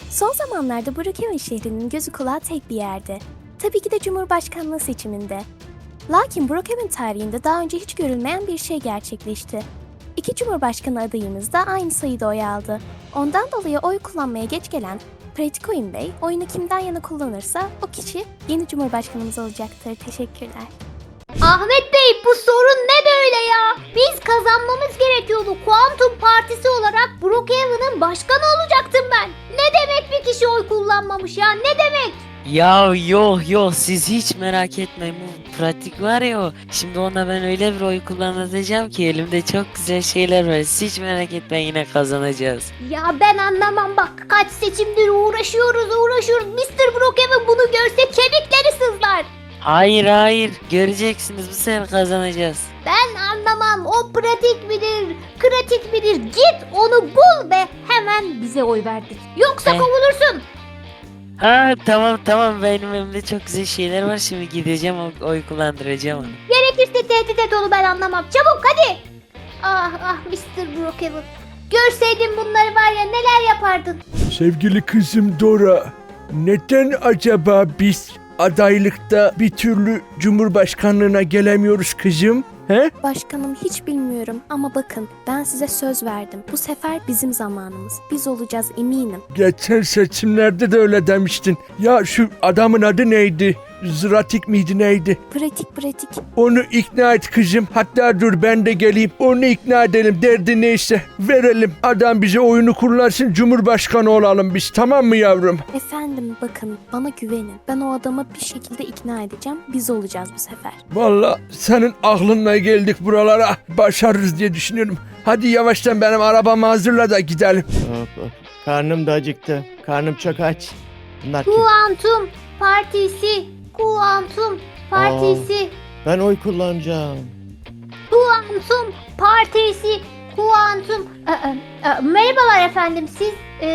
Son zamanlarda Brookhaven şehrinin gözü kulağı tek bir yerde. Tabii ki de Cumhurbaşkanlığı seçiminde. Lakin Brookhaven tarihinde daha önce hiç görülmeyen bir şey gerçekleşti. İki Cumhurbaşkanı adayımız da aynı sayıda oy aldı. Ondan dolayı oy kullanmaya geç gelen Pratik Bey oyunu kimden yana kullanırsa o kişi yeni Cumhurbaşkanımız olacaktır. Teşekkürler. Ahmet Bey, bu sorun ne böyle ya? Biz kazanmamız gerekiyordu. Kuantum Partisi olarak Brookhaven'ın başkanı olacaktım ben. Ne demek bir kişi oy kullanmamış ya? Ne demek? Ya yok siz hiç merak etmeyin, bu pratik var ya o. Şimdi ona ben öyle bir oy kullanacağım ki elimde çok güzel şeyler var. Siz hiç merak etmeyin, yine kazanacağız. Ya ben anlamam bak. Kaç seçimdir uğraşıyoruz. Mr. Brookhaven bunu görse kemikleri sızlar. Hayır göreceksiniz, bu sefer kazanacağız. Ben anlamam. O pratik midir, kratik midir? Git onu bul ve hemen bize oy verdir. Yoksa kovulursun. Ha tamam, benim elimde çok güzel şeyler var, şimdi gideceğim oy kullandıracağım onu. Gerekirse tehdit et onu, ben anlamam. Çabuk hadi. Ah Mr. Brookhaven. Görseydin bunları var ya, neler yapardın. Sevgili kızım Dora, neden acaba biz adaylıkta bir türlü Cumhurbaşkanlığına gelemiyoruz kızım? He? Başkanım, hiç bilmiyorum ama bakın, ben size söz verdim. Bu sefer bizim zamanımız. Biz olacağız, eminim. Geçen seçimlerde de öyle demiştin. Ya şu adamın adı neydi? Zratik miydi neydi? Pratik. Onu ikna et kızım. Hatta dur ben de geleyim. Onu ikna edelim. Derdi neyse verelim. Adam bize oyunu kullansın. Cumhurbaşkanı olalım biz. Tamam mı yavrum? Efendim bakın, bana güvenin. Ben o adamı bir şekilde ikna edeceğim. Biz olacağız bu sefer. Vallahi senin aklınla geldik buralara. Başarırız diye düşünüyorum. Hadi yavaştan benim arabamı hazırla da gidelim. Hop. Karnım da acıktı. Karnım çok aç. Bunlar kim? Kuantum Partisi. Kuantum Partisi. Ben oy kullanacağım. Kuantum Partisi. Kuantum. Merhabalar efendim. Siz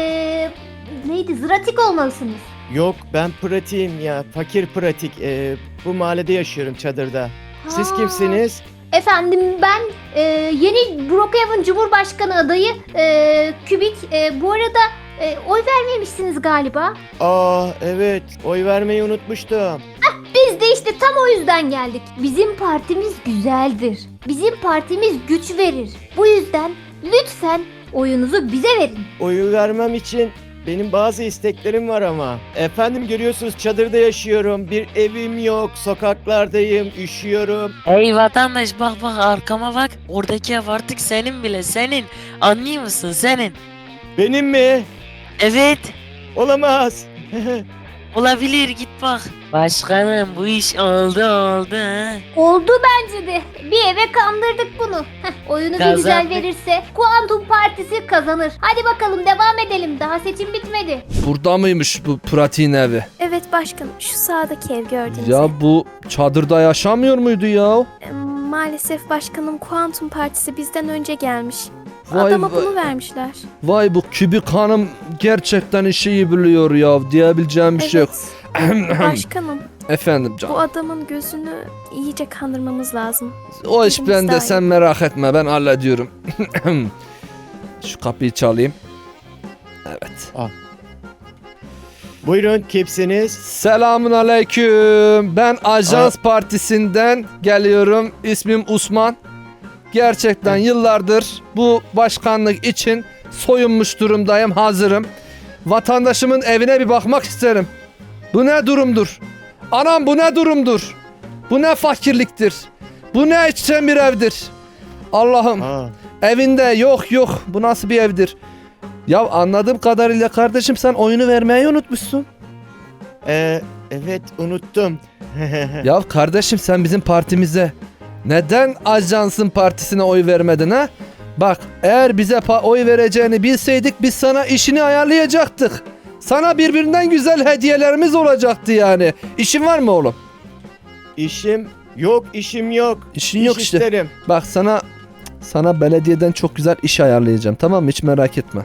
neydi? Zratik olmalısınız. Yok, ben pratiğim ya. Fakir pratik. Bu mahallede yaşıyorum, çadırda. Siz Ha. kimsiniz? Efendim ben yeni Brookhaven Cumhurbaşkanı adayı Kübik. Bu arada oy vermemişsiniz galiba. Evet. Oy vermeyi unutmuştum. Biz de işte tam o yüzden geldik. Bizim partimiz güzeldir. Bizim partimiz güç verir. Bu yüzden lütfen oyunuzu bize verin. Oyu vermem için benim bazı isteklerim var ama. Efendim, görüyorsunuz çadırda yaşıyorum. Bir evim yok. Sokaklardayım. Üşüyorum. Hey vatandaş, bak arkama bak, oradaki ev artık senin bile, senin. Anlıyor musun, senin? Benim mi? Evet, Olamaz. olabilir, git bak. Başkanım, bu iş oldu ha. Oldu bence de. Bir eve kandırdık bunu. Oyunu bir güzel Kazandık. verirse Kuantum Partisi kazanır. Hadi bakalım devam edelim. Daha seçim bitmedi. Burada mıymış bu pratiğin evi? Evet başkanım, şu sağdaki ev gördüğünüz ev. Ya bu çadırda yaşamıyor muydu ya? Maalesef başkanım, Kuantum Partisi bizden önce gelmiş. Vay Adama vay. bunu vermişler. Vay, bu Kübik Hanım gerçekten işi iyi biliyor ya. Diyebileceğim bir şey yok. Başkanım, Efendim bu canım. adamın gözünü iyice kandırmamız lazım. O iş Biz bende, daha sen iyi. merak etme, ben hallediyorum. Şu kapıyı çalayım. Evet. Buyurun, kimsiniz? Selamun aleyküm. Ben Ajans Partisi'nden geliyorum. İsmim Osman. Gerçekten yıllardır bu başkanlık için soyunmuş durumdayım, hazırım. Vatandaşımın evine bir bakmak isterim. Bu ne durumdur? Anam, bu ne durumdur? Bu ne fakirliktir? Bu ne içten bir evdir? Allah'ım, evinde yok, bu nasıl bir evdir? Ya anladığım kadarıyla kardeşim, sen oyunu vermeyi unutmuşsun. Evet, unuttum. Ya kardeşim, sen bizim partimize neden Ajans'ın partisine oy vermedin ha? Bak, eğer bize oy vereceğini bilseydik biz sana işini ayarlayacaktık. Sana birbirinden güzel hediyelerimiz olacaktı yani. İşin var mı oğlum? İşim yok. İşin İş yok işte. isterim. Bak, sana belediyeden çok güzel iş ayarlayacağım, tamam mı? Hiç merak etme.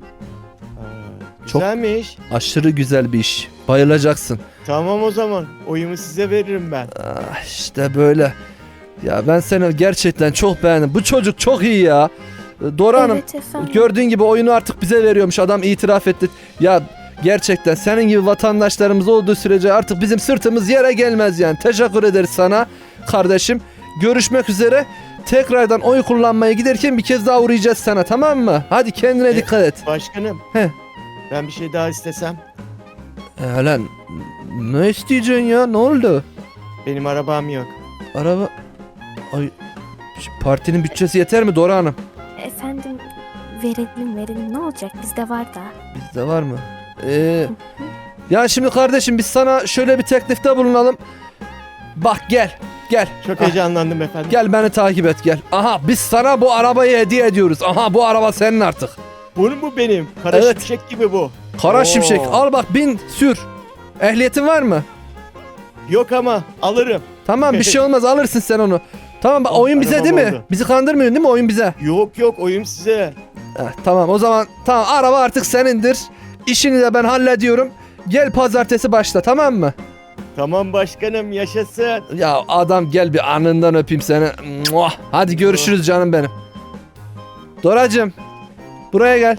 Çok- Güzelmiş. Aşırı güzel bir iş. Bayılacaksın. Tamam, o zaman oyumu size veririm ben. İşte böyle. Ya ben seni gerçekten çok beğendim. Bu çocuk çok iyi ya. Dora Hanım, Evet efendim. gördüğün gibi oyunu artık bize veriyormuş. Adam itiraf etti. Ya Gerçekten senin gibi vatandaşlarımız olduğu sürece artık bizim sırtımız yere gelmez yani. Teşekkür ederiz sana kardeşim. Görüşmek üzere. Tekrardan oy kullanmaya giderken bir kez daha uğrayacağız sana, tamam mı? Hadi kendine dikkat et. Başkanım. He. Ben bir şey daha istesem. Lan ne isteyeceksin ya? Ne oldu? Benim arabam yok. Araba... Ay... Partinin bütçesi yeter mi Dora Hanım? Efendim verelim ne olacak bizde var da. Bizde var mı? Ya şimdi kardeşim biz sana şöyle bir teklifte bulunalım. Bak gel. Çok Ah, heyecanlandım efendim. Gel beni takip et gel. Aha biz sana bu arabayı hediye ediyoruz. Aha bu araba senin artık. Bu benim. Kara Evet. şimşek gibi bu. Kara Oo. şimşek al bak bin sür. Ehliyetin var mı? Yok ama alırım. Tamam bir şey olmaz alırsın sen onu. Tamam bak Oh, oyun bize arabam değil mi? oldu. Bizi kandırmıyorsun değil mi oyun bize? Yok oyum size. Tamam o zaman tamam araba artık senindir. İşini de ben hallediyorum. Gel pazartesi başla tamam mı? Tamam başkanım yaşasın. Ya adam gel bir anından öpeyim seni. Muah. Hadi görüşürüz canım benim. Doracığım buraya gel.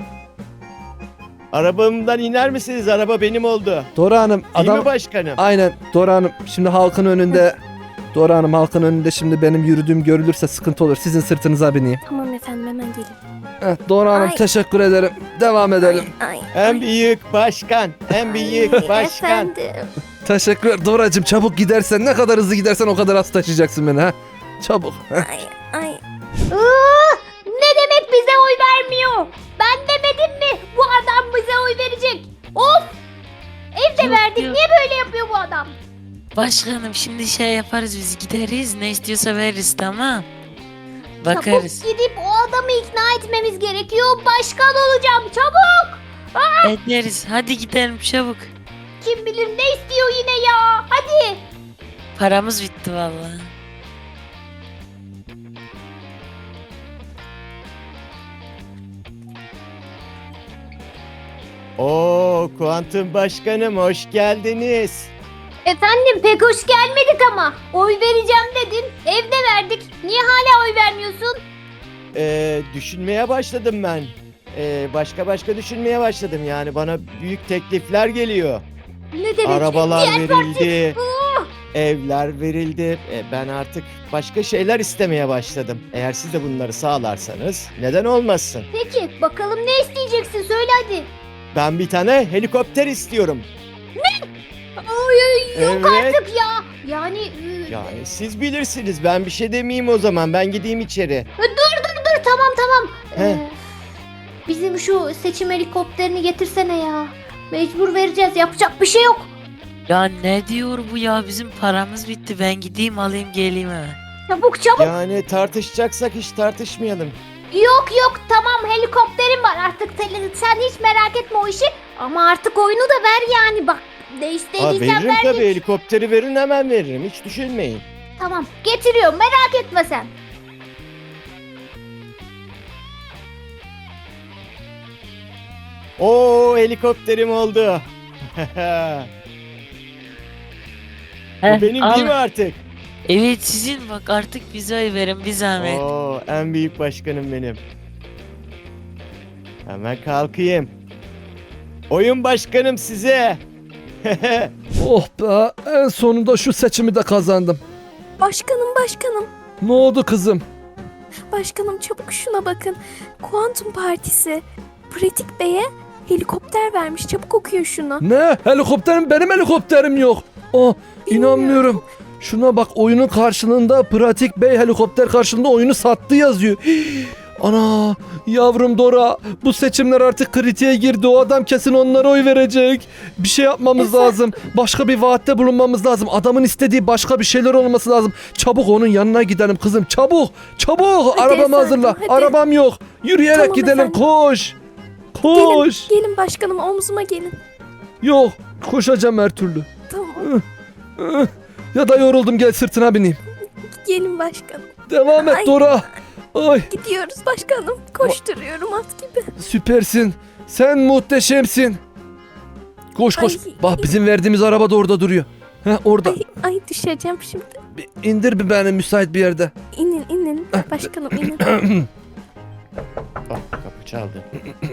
Arabamdan iner misiniz? Araba benim oldu. Dora Hanım Değil mi adam başkanım? aynen Dora Hanım şimdi halkın önünde Dora Hanım halkın önünde şimdi benim yürüdüğüm görülürse sıkıntı olur. Sizin sırtınıza bineyim. Tamam efendim hemen gelin. Dora Hanım Ay. teşekkür ederim. Devam edelim. Ay, En büyük başkan. En büyük ay, başkan. Efendim. Teşekkür Doracığım çabuk gidersen ne kadar hızlı gidersen o kadar az taşıyacaksın beni ha. Çabuk. Ay. Ne demek bize oy vermiyor? Ben demedim mi bu adam bize oy verecek? Of! Evde Yok, verdik. yok. Niye böyle yapıyor bu adam? Başkanım şimdi şey yaparız biz gideriz ne istiyorsa veririz tamam. Bakarız. Çabuk gidip o adamı ikna etmemiz gerekiyor. Başkan olacağım. Çabuk! Ederiz hadi gidelim çabuk. Kim bilir ne istiyor yine ya. Hadi. Paramız bitti vallahi. Oo kuantum başkanım hoş geldiniz. Efendim pek hoş gelmedik ama. Oy vereceğim dedin. Evde verdik. Niye hala oy vermiyorsun? Düşünmeye başladım ben. Başka düşünmeye başladım yani bana büyük teklifler geliyor. Ne demek? Arabalar Diğer verildi. Ah! Evler verildi. Ben artık başka şeyler istemeye başladım. Eğer siz de bunları sağlarsanız neden olmasın? Peki bakalım ne isteyeceksin söyle hadi. Ben bir tane helikopter istiyorum. Oy, yok Evet. artık ya. Yani Yani siz bilirsiniz. Ben bir şey demeyeyim o zaman. Ben gideyim içeri. dur tamam. He. Bizim şu seçim helikopterini getirsene ya. Mecbur vereceğiz. Yapacak bir şey yok. Ya ne diyor bu ya bizim paramız bitti ben gideyim alayım geleyim hemen. Çabuk. Yani tartışacaksak hiç tartışmayalım. Yok tamam helikopterim var artık sen hiç merak etme o işi. Ama artık oyunu da ver yani bak. Ne Ha, istediysen veririm ver. tabii. Helikopteri verin hemen veririm. Hiç düşünmeyin. Tamam getiriyorum merak etme sen. Oo helikopterim oldu. Bu benim al. değil mi artık? Evet sizin bak artık bize oy verin bir zahmet. Oo en büyük başkanım benim. Hemen kalkayım. Oyun başkanım size. Oh be en sonunda şu seçimi de kazandım. Başkanım. Ne oldu kızım? Başkanım çabuk şuna bakın. Kuantum Partisi. Pratik Bey'e helikopter vermiş. Çabuk okuyun şunu. Ne? Helikopterim benim helikopterim yok. Oh inanmıyorum. Şuna bak oyunun karşılığında Pratik Bey helikopter karşılığında oyunu sattı yazıyor. Hii, ana yavrum Dora bu seçimler artık kritiğe girdi. O adam kesin onlara oy verecek. Bir şey yapmamız Efe. lazım. Başka bir vaatte bulunmamız lazım. Adamın istediği başka bir şeyler olması lazım. Çabuk onun yanına gidelim kızım. Çabuk. Hadi Arabamı efendim, hazırla. hadi. Arabam yok. Yürüyerek Tamam gidelim. efendim. Koş. Koş. Gelin başkanım omzuma gelin. Yok. Koşacağım her türlü. Tamam Ya da yoruldum gel sırtına bineyim. gelin başkanım. Devam et Ay. Dora. Ay Gidiyoruz başkanım. Koşturuyorum at gibi. süpersin. Sen muhteşemsin. Koş koş. Ay. Bak bizim verdiğimiz araba da orada duruyor. Heh orada. Ay düşeceğim şimdi. Bir indir bir beni müsait bir yerde. İnin başkanım inin. Bak kapı çaldı.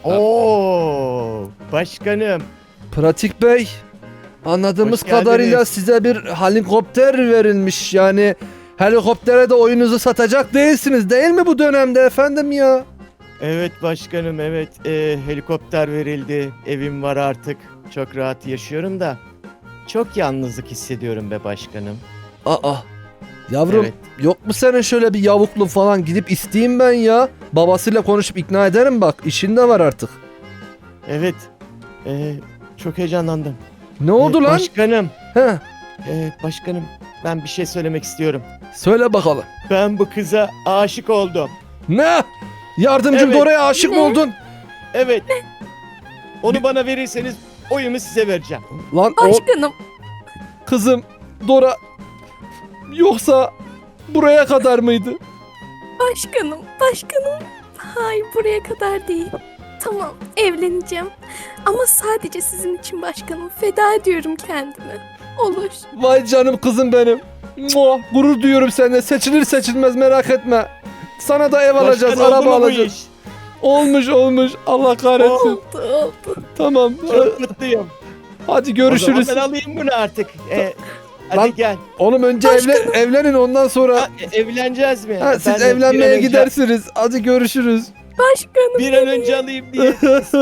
Oo, başkanım. Pratik Bey, anladığımız Hoş geldiniz. kadarıyla size bir helikopter verilmiş. Yani helikoptere de oyunuzu satacak değilsiniz değil mi bu dönemde efendim ya? Evet başkanım, evet. Helikopter verildi. Evim var artık. Çok rahat yaşıyorum da. Çok yalnızlık hissediyorum be başkanım. Aa, yavrum Evet. yok mu senin şöyle bir yavuklu falan, gidip isteyeyim ben ya. Babasıyla konuşup ikna ederim, bak işin de var artık. Evet. Çok heyecanlandım. Ne oldu lan? Başkanım. He, Başkanım, ben bir şey söylemek istiyorum. söyle bakalım. Ben bu kıza aşık oldum. Ne? Yardımcım Evet. Dora'ya aşık mı Ne? oldun? Evet. Onu bana verirseniz oyumu size vereceğim. Lan Başkanım. kızım Dora, yoksa buraya kadar mıydı? Başkanım. Hayır, buraya kadar değil. Tamam, evleneceğim. Ama sadece sizin için başkanım. Feda ediyorum kendimi. Olur. Vay canım kızım benim. Muah, gurur duyuyorum seninle. Seçilir seçilmez merak etme. Sana da ev alacağız, Başkan, oldu araba mu bu alacağız. iş? Olmuş. Allah kahretsin. Oldu. Tamam. Çok mutluyum. Hadi görüşürüz. O zaman ben alayım bunu artık. Hadi Lan- gel. Oğlum önce evlenin, ondan sonra Ha, evleneceğiz mi? ha, siz Ben de bir an evlenmeye önce- gidersiniz. Hadi görüşürüz. Başkanım. Bir an önce alayım diye.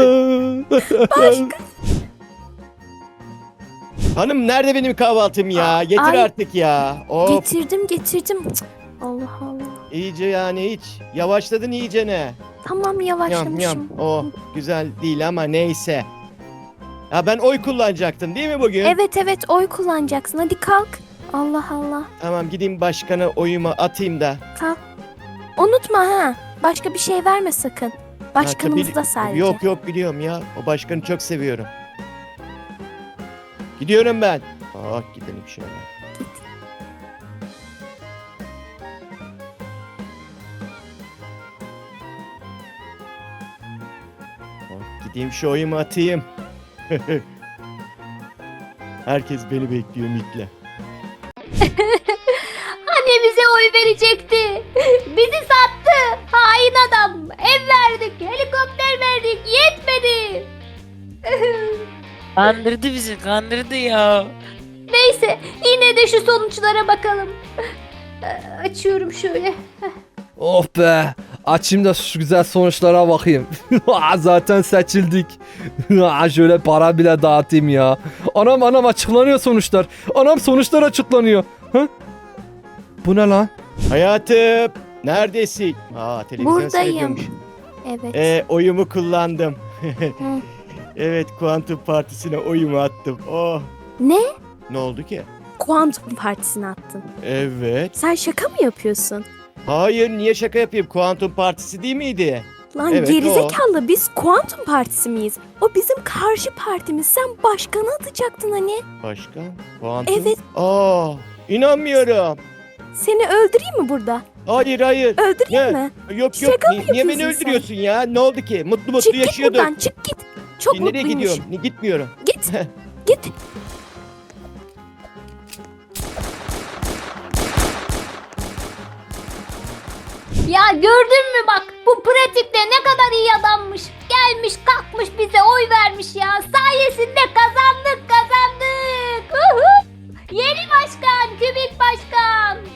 Hanım, nerede benim kahvaltım ya? Getir Ay. artık ya. Of, Getirdim. Cık, Allah Allah. iyice yani hiç. Yavaşladın iyice ne? Tamam, Yam yavaşlamışım. yam. Oh, güzel değil ama neyse. Ya ben oy kullanacaktım değil mi bugün? Evet, oy kullanacaksın. Hadi kalk. Allah Allah. Tamam, gideyim başkana oyumu atayım da. Kalk. Unutma ha. Başka bir şey verme sakın. Ha, Başkanımız tabii- da sadece. Yok biliyorum ya. O başkanı çok seviyorum. Gidiyorum ben. Gidelim şöyle. Gideyim şu oyumu atayım. Herkes beni bekliyor Mikle. Hani bize oy verecekti. Bizi sattı. Hain adam. Ev verdik, helikopter verdik. Yetmedi. Kandırdı ya. Neyse, yine de şu sonuçlara bakalım. Açıyorum şöyle. Oh be. Açayım da şu güzel sonuçlara bakayım. Zaten seçildik. Şöyle para bile dağıtayım ya. Anam açıklanıyor sonuçlar. Anam, sonuçlar açıklanıyor. Ha? Bu ne lan? Hayatım, neredesin? Televizyon Buradayım. seyrediyormuş. Evet. Oyumu kullandım. Hı. Evet, Kuantum Partisi'ne oyumu attım. Oh. Ne? Ne oldu ki? Kuantum Partisi'ne attın. Evet. Sen şaka mı yapıyorsun? Hayır, niye şaka yapayım? Kuantum Partisi değil miydi? Lan Evet, gerizekalı, biz Kuantum Partisi miyiz? O bizim karşı partimiz. Sen başkanı atacaktın hani. Başkan? Kuantum? Evet. İnanmıyorum. Seni öldüreyim mi burada? Hayır. Öldüreyim Ne? mi? Yok. Şaka mı Niye beni yapıyorsun sen? öldürüyorsun ya? Ne oldu ki? Mutlu Çık git yaşıyorduk. buradan, çık git. Çok Nereye mutluymuş. gidiyorum? Gitmiyorum. Git. Ya gördün mü bak, bu pratikte ne kadar iyi adammış. Gelmiş kalkmış bize oy vermiş ya. Sayesinde kazandık. Yeni başkan, Kübik başkan.